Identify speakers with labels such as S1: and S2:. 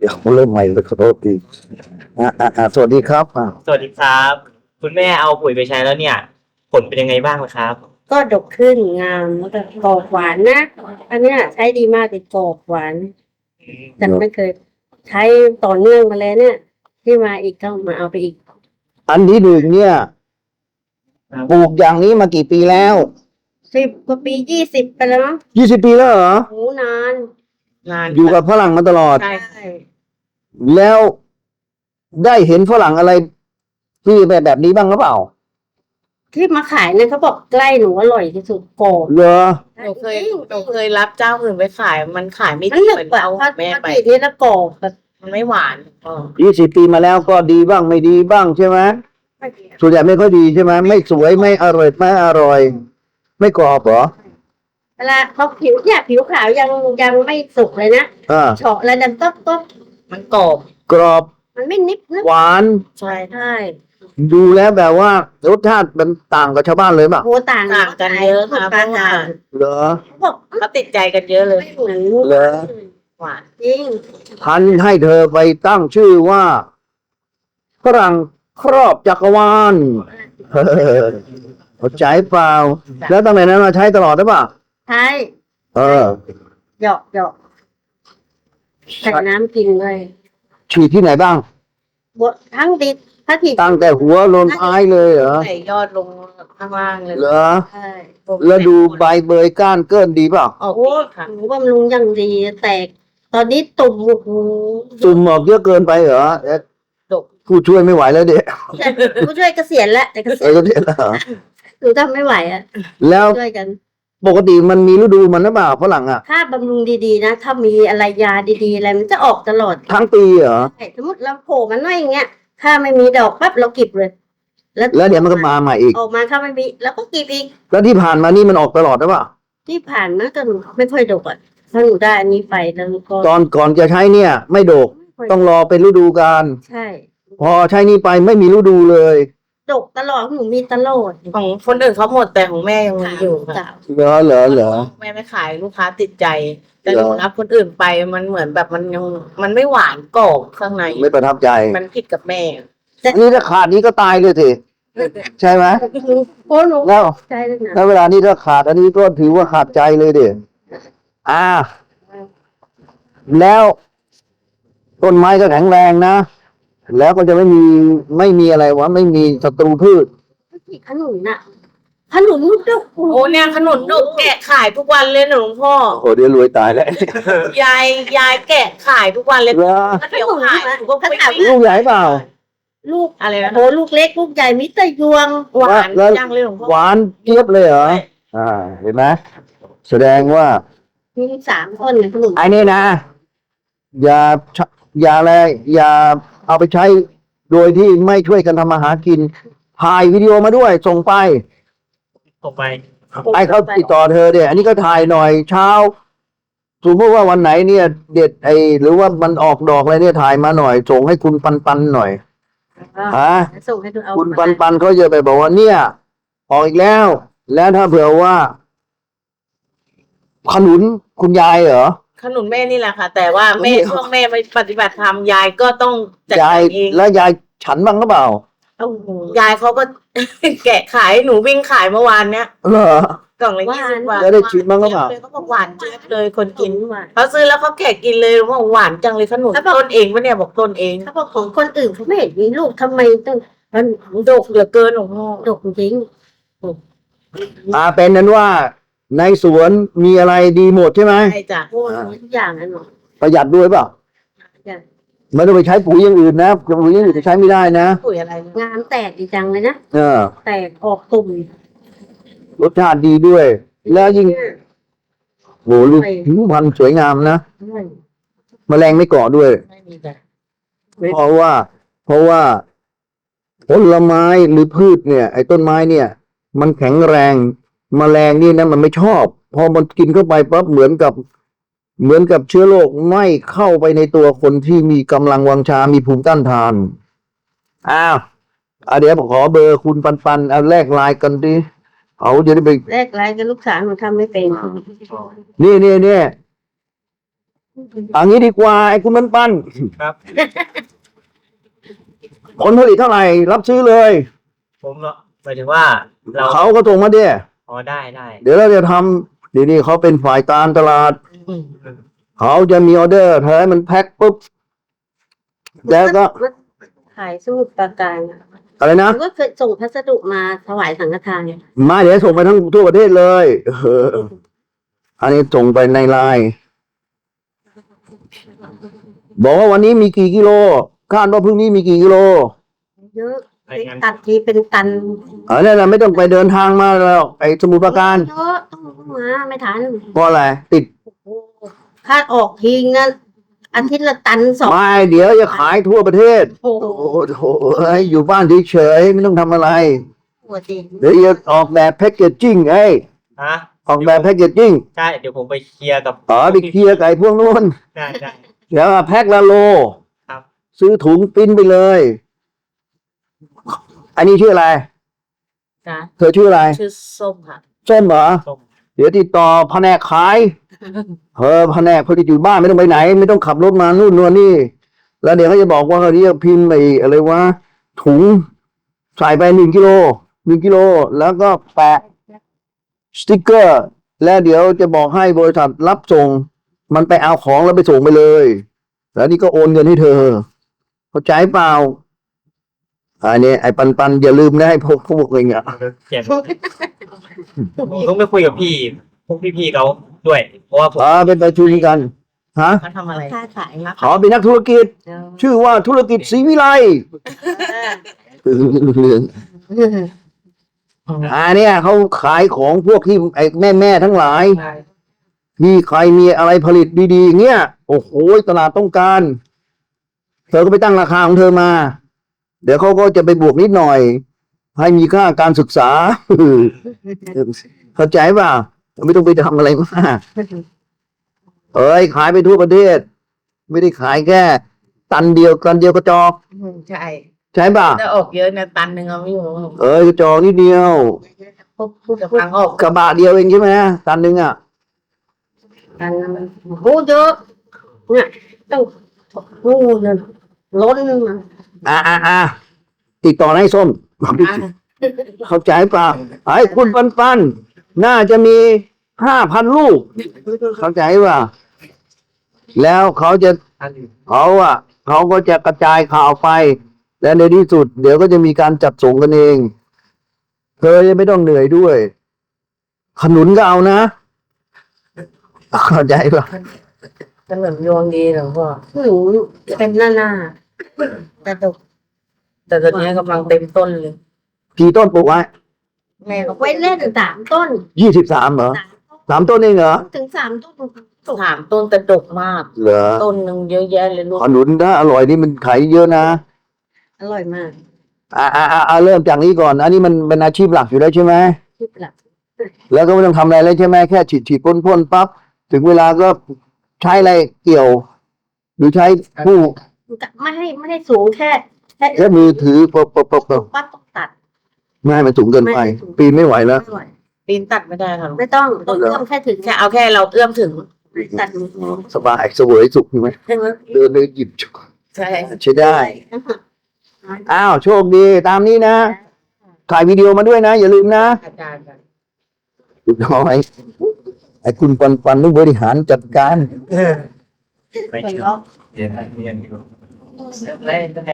S1: ดี๋ยวเริ่มใหม่เลยขอโทษทีสวัสดีครับ
S2: สวัสดีครับ คุณแม่เอาปุ๋ยไปใช้แล้วเนี่ย ผลเป็นยังไงบ้างล่ะครับ
S3: ก็ดกขึ้นงามแล้วก็กรอบหวานนะอันเนี้ยใช้ดีมากเลยกรอบหวานแต่ไม่เคยใช้ต่อเนื่องมาเลยเนี่ย ที่มาอีกก็มาเอาไปอีก
S1: อันที่หนึ่งเนี่ยปลูกอย่างนี้มากี่ปีแล้ว
S3: 10 กว่าปี20 ไปแล้วมั้ง
S1: 20 ปีแล้วเหรอ
S3: โหนาน
S1: อยู่กับฝรั่งมาตลอด
S3: ใช่
S1: แล้วได้เห็นฝรั่งอะไรที่แบบนี้บ้างหรือเปล่า
S3: ที่มาขายเนี่ยเขาบอกใกล้หนูอร่อยที่สุดกรอบ
S1: เหรอ
S4: หนูเคยรับเจ้าอื่นไปขายมันขายไม่
S3: มัน
S4: ดี
S3: หนึ
S4: เห
S3: บ
S4: มือน
S3: แบบ
S4: เอา
S3: พอ
S4: แม่ไป
S3: ทีนี้แล้วกรอบแบบ
S4: มันไม่หวาน
S1: 20 ปีมาแล้วก็ดีบ้างไม่ดีบ้างใช่ไหมส่วนใหญ่ไม่ค่อยดีใช่ไหมไม่สวยไม่อร่อยไม่อร่อย ไม่กรอบเหรอ
S3: เวลาเขาผิวเนี่ยผิวขาวยังไม่สุกเลยนะ เฉาะแล้วดันต๊บ
S4: มันกรอบ
S1: กรอบ
S3: มันไม่นิบนะ
S1: หวาน
S4: ใช่
S3: ใช่
S1: ดูแล้วแบบว่ารสชาติมันต่างกับชาวบ้านเลยป่ะ
S3: โหต่าง
S4: ต่างกันเยอะค่ะเพ
S3: ต่า
S4: ราะ
S3: ง
S4: ว่า
S1: เหรอ
S3: เขาบอก
S4: เขาติดใจกันเยอะเลย
S3: ไม่เหมือน
S1: เหรอ
S4: หวาน
S3: จริง
S1: พันให้เธอไปตั้งชื่อว่าฝรั่งครอบจักรวาลเข้าใจเปล่า แล้วตั้งแต่นั้นมาใช้ตลอดได้ป่ะ
S3: ใช่
S1: เออ
S3: หยอกใส่น้ำกินเลย
S1: ฉีดที่ไหนบ้าง
S3: ทั้งดิบถ้าผิด
S1: ตั้งแต่หัวลนท้ายเลยเหรอ
S4: ใส่ยอดลงข้างล่างเลย
S1: เหรอ
S3: ใช่
S1: แล้วดูใบเบยก้านเกินดีเปล่า
S4: ออก
S3: โอ้
S4: ดีค่ะ
S3: หนูบำรุงอย่างดีแตก ตอนนี้ตุ่มโอ้โห
S1: ซุ่มออกเยอะเกินไปเหรอเอ๊ะ
S4: ดก
S1: ผู้ช่วยไม่ไหวแล้วเด็ก
S3: ผู้ช่วยเกษียณแล้วแต่เกษี
S1: เอย
S3: ณ
S1: ก็เด็กแล้วเหรอ
S3: หนูทำไม่ไหวอ่ะ
S1: แล้ว
S3: ช่วยกัน
S1: ปกติมันมีฤดูมันหรือเปล่าฝรั่งอ่ะ
S3: ถ้าบำรุงดีๆนะ ถ้ามีอะไรยาดีๆอะไรมันจะออกตลอด
S1: ทั้งปีเหรอ
S3: ใช่สมมติเราโผล่มันน้อยอย่างเงี้ย ถ้าไม่มีดอกปั๊บเราเก็บเลย
S1: แล้วเดี๋ยวมันก็มาใหม่อีก
S3: ออกมาถ้าไม่มีแล้วก็เก็บอีก
S1: แล้วที่ผ่านมานี่มันออกตลอดหรือเปล่า
S3: ที่ผ่านมาก็หนูไม่ค่อยดกอ่ะถ้าหนูได้อันนี้ไปแล้วก็
S1: ตอนก่อนจะใช้เนี่ย ไม่โดก
S3: ไม่ค่อย
S1: ต้องรอเป็นฤดูกาล
S3: ใช่
S1: พอใช้นี่ไปไม่มีฤดูเลย
S3: ดกตลอดหนูมีตลอด
S4: ของคนอื่นเขาหมดแต่ของแม่ยังมีอยู่ค่ะ
S3: สาว
S1: เหรอ
S4: แม่ไม่ขายลูกค้าติดใจ แต่
S1: เห
S4: ห
S1: รอ
S4: นูรับคนอื่นไปมันเหมือนแบบมันยังมันไม่หวานกรอบข้างใน
S1: ไม่ประทับใจ
S4: มันผิดกับแม่
S1: อันนี้ถ้าขาดนี้ก็ตายเลยสิใช่ไหม
S3: โอ้หนู
S1: แล้ว
S3: ใจเลยนะ
S1: แล้วเวลานี้ถ้าขาดอันนี้ก็ถือว่าขาดใจเลยเด็แล้วต้นไม้ก็แข็งแรงนะ แล้วก็จะไม่มีอะไรวะไม่มีศัตรูพืช
S3: ขนุนน่ะขนุนลูกดก
S4: โอ้เนี่ยขนมดกแกะขายทุกวันเลยหลวงพ่อ
S1: โอ้เดี๋ยวรวยตายแล้ว
S4: ยายแกะขายทุกวันเลย
S1: เหรอ
S4: ก็เดี๋ยวขายหนูก็ไป
S1: ลูกใหญ่เปล่า
S3: ลูก
S4: อะไรนะ
S3: โอ้ลูกเล็กลูกใหญ่มิตรยวง
S4: หวาน
S1: แล้ว
S4: จังเลยหลวงพ่อ
S1: หวานเจี๊ยบเลยเหรอเห็นไหมแสดงว่า
S3: มี3 ต้นขนุน
S1: ไอ้นี่นะ อย่าอะไรอย่าเอาไปใช้โดยที่ไม่ช่วยกันทำมาหากินถ่ายวิดีโอมาด้วยส่งไป
S2: ต่อไป
S1: ไอ้เขาติดต่อเธอเนี่ยอันนี้ก็ถ่ายหน่อยเช้าสมมติว่าวันไหนเนี่ย เด็ดหรือว่ามันออกดอกอะไรเนี่ยถ่ายมาหน่อยส่งให้คุณปันหน่อยฮะ
S3: ส่งให้ดูเอา
S1: คุณปันเขาจะไปบอกว่าเนี่ย ออกอีกแล้ว แล้วถ้าเผื่อว่าขนุนคุณยายเหรอ
S4: ขนุนแม่นี่แหละค่ะ แต่ว่าแม่
S1: นี่
S4: ช่วงแม่ไปปฏิบัติธรรมยายก็ต้องจัด
S1: ยาย
S4: การเอง
S1: แล้วยายฉันบ้างหรือเปล่า
S3: โอ้โห
S4: ยายเขาก็ แกะขายหนูวิ่งขายเมื่อวานเนี้ย
S1: เหรอ
S4: กล่องละ20 บาท
S1: แล้วได้ชิมบ้างหรือเปล่า
S4: เขาบอกหวานเจี๊ยบเลยคนกิน
S3: หวาน
S4: เขาซื้อแล้วเขาแกะกินเลยว่าหวานจังเลยขนุนต้นเองปะเนี่ยบอกต้นเอง
S3: ถ้าบอกของคนอื่นเขาไม่เห็นมีลูกทำไมต้องมัน
S4: ดกเหลือเกินหลวงพ่อ
S3: ดกจริง
S1: เป็นนั้นว่าในสวนมีอะไรดีหมดใช่ไหม
S4: ใช่จ้ะ
S3: โอ้ยทุกอย่างนะหนู
S1: ประหยัดด้วยเปล่า
S3: อย่าง
S1: ไม่ต้องไปใช้ปุ๋ยอย่างอื่นนะปุ๋ยอย่างอื่นจะใช้ไม่ได้นะ
S4: ปุ๋ยอะไรนะ
S3: งานแตกดีจังเลยนะ
S1: เออ
S3: แตกออกตุ่ม
S1: รสชาติดีด้วย แล้วยิ่งโหลูกผิวพรรณสวยงามนะแมลงไม่เกาะด้วย
S4: ไม่มีจ้ะ
S1: เพราะว่าผลไม้หรือพืชเนี่ย ไอ้ต้นไม้เนี่ย มันแข็งแรงแมลงนี่นะมันไม่ชอบ พอมันกินเข้าไปปั๊บเหมือนกับเชื้อโรคไม่เข้าไปในตัวคนที่มีกำลังวังชา มีภูมิต้านทานเดี๋ยวผมขอเบอร์คุณปันเอาแลกไลน์กันดิเขาจะได้ไป
S3: แรกไรกับลูกสาวหนูทำไม่เป็น
S1: นี่เอันนี้ดีกว่าไอ้คุณมันปั้น
S2: ครับ
S1: ผลผลิตเท่าไหร่ รับซื้อเลย
S2: ผมเนาะหมายถึงว่าเรา
S1: เขาก็ส่งมาเด้
S2: อ๋อได้ได้
S1: เดี๋ยวเราจะทำเดี๋ยวนี้เขาเป็นฝ่ายการตลาด เขาจะมีออเดอร์เธอให้มันแพ็คปุ๊บ แล้วก็
S3: ขายสมุทรปราการอะ
S1: อะไรนะ
S3: ก็เคยส่งพัสดุมาถวายสังฆทานเนี่ย
S1: มาเดี๋ยวส่งไปทั้งทั่วประเทศเลยอันนี้ส่งไปในไลน์บอกว่าวันนี้มีกี่กิโลคาดว่าพรุ่งนี้มีกี่กิโล
S3: เยอะตัดทีเป็นตัน
S1: อันนั้นนะไม่ต้องไปเดินทางมาแล้ว ไอ้สมุทรปราการ
S3: เยอะต้องมาไม่ทัน
S1: เพราะอะไรติด
S3: คาดออกทิ้งนะอาทิตย์ละตันสอง
S1: ไม่เดี๋ยวจะขายทั่วประเทศ
S3: โอ้โห
S1: โอ้โหอยู่บ้านเฉยๆไม่ต้องทำอะไร
S3: หัวจริง
S1: เดี๋ยวจะออกแบบแพ็กเกจจิ้งไอ้
S2: ฮะ
S1: ออกแบบแพ็กเกจจิ้ง
S2: ใช่เดี๋ยวผมไปเคลียร์กับ
S1: อ๋อไปเคลียร์ไก่พวกนู้น
S2: ได้ได้
S1: แล้วแพ็คละโล
S2: ครับ
S1: ซื้อถุงปริ้นไปเลย อันนี้ชื่ออะไร
S4: จ้ะ
S1: เธอชื่ออะไร
S4: ชื่อส้มค่ะ
S1: ส้มเหรอ
S2: ส้ม
S1: เดี๋ยวติดต่อแผนกขายแผนกผลิตอยู่บ้านไม่ต้องไปไหน ไม่ต้องขับรถมานู่นนนนี่ แล้วเดี๋ยวเขาจะบอกว่าเขาเรียกพิมพ์ไอ้อะไรวะถุงใส่ไป1 กิโลแล้วก็แปะสติ๊กเกอร์ แล้วเดี๋ยวจะบอกให้บริษัทรับส่ง มันไปเอาของแล้วไปส่งไปเลย แล้วนี่ก็โอนเงินให้เธอ เข้าใจเปล่าอันนี้ไอ้ปันอย่าลืมนะให้พวกเองอ่ะ
S2: เขียนผมต้องไปคุยกับพี่พวกพี่ๆเขาด้วย เพราะว่าผม
S1: เป็นประชุมกันฮะ
S4: เขาทำอะไร
S3: ค้าขาย
S1: ขอเป็นนักธุรกิจ ชื่อว่าธุรกิจศรีวิไลอันเนี้ยเขาขายของพวกที่ไอ้แม่ทั้งหลาย มีใครมีอะไรผลิตดีๆเงี้ยโอ้โหตลาดต้องการ เธอก็ไปตั้งราคาของเธอมา เดี๋ยวเขาก็จะไปบวกนิดหน่อย ให้มีค่าการศึกษา เข้าใจป่ะไม่ต้องไปทำอะไรมากขายไปทั่วประเทศ ไม่ได้ขายแค่ตันเดียวกระจอก
S4: ใช่
S1: ใช่ป่ะ
S4: ถ้าออกเยอะนะตันหนึ่งเอาไม่อยู่
S1: กระจอกนิดเดียว
S4: จะพังออก
S1: กระบะเดียวเองใช่ไหมตันหนึ่งอ่ะ
S3: กันมันโอ้เยอะเนี่ยต้องนู่นเลยล้นมา
S1: ติดต่อให้ส้ม เข้าใจเปล่าไอ้คุณปันน่าจะมี5,000 ลูก เข้าใจป่ะแล้วเขาก็จะกระจายข่าวไป และในที่สุด เดี๋ยวก็จะมีการจัดส่งกันเอง เธอจะไม่ต้องเหนื่อยด้วย ขนุนก็เอานะ เข้าใจป่ะ
S4: ขนมโยงดีหลวงพ่อ
S3: หนูเป็นหน้าแต่ดก
S4: แต่ตอนนี้กำลังเต็มต้นเลย
S1: กี่ต้นปลูกไว้
S4: แม่ก็
S3: ไว้เล่น3 ต้น
S1: 23เหรอ3 ต้นเองเหรอ
S3: ถึง3 ต้น
S4: ถามต้นแต่ดกมาก
S1: เหรอ
S4: ต้นหนึ่งเยอะแยะเลยลูก
S1: ขนุนถ้าอร่อยนี่มันขายเยอะนะ
S3: อร่อยมาก
S1: เริ่มจากนี้ก่อน อันนี้มันเป็นอาชีพหลักอยู่แล้วใช่ไหม
S3: ที่หลัก
S1: แล้วก็ไม่ต้องทำอะไรเลยใช่ไหมแค่ฉีดพ่นปั๊บถึงเวลาก็ใช้อะไรเกี่ยว หรือใช้ผู้
S3: ไม่ให้สูงแค่
S1: แค่มือถือปบ
S3: ปั๊บต้องตัด
S1: ไม่ให้มันสูงเกินไป
S3: ไม่ให้สูง
S1: ปีนไม่ไหวแล้ว
S3: ไม่ไหว
S4: ปีนตัดไม่ได้ค่ะลูก
S3: ไม่ต้องเอื้อมแค่ถึง
S4: แค่เอาแค่เราเอื้อมถึง
S3: ตัด
S1: สบายเสวยสุขใช่ไหมเดินเลยหยิบ
S4: ใช่
S1: ใช้ได้ อ้าวโชคดีตามนี้นะ ถ่ายวิดีโอมาด้วยนะ อย่าลืมนะ
S4: อาจารย์
S1: เรียบร้อยไอ้คุณปันต้องบริหารจัดการ
S2: ไปเชื่อเรียนอยู่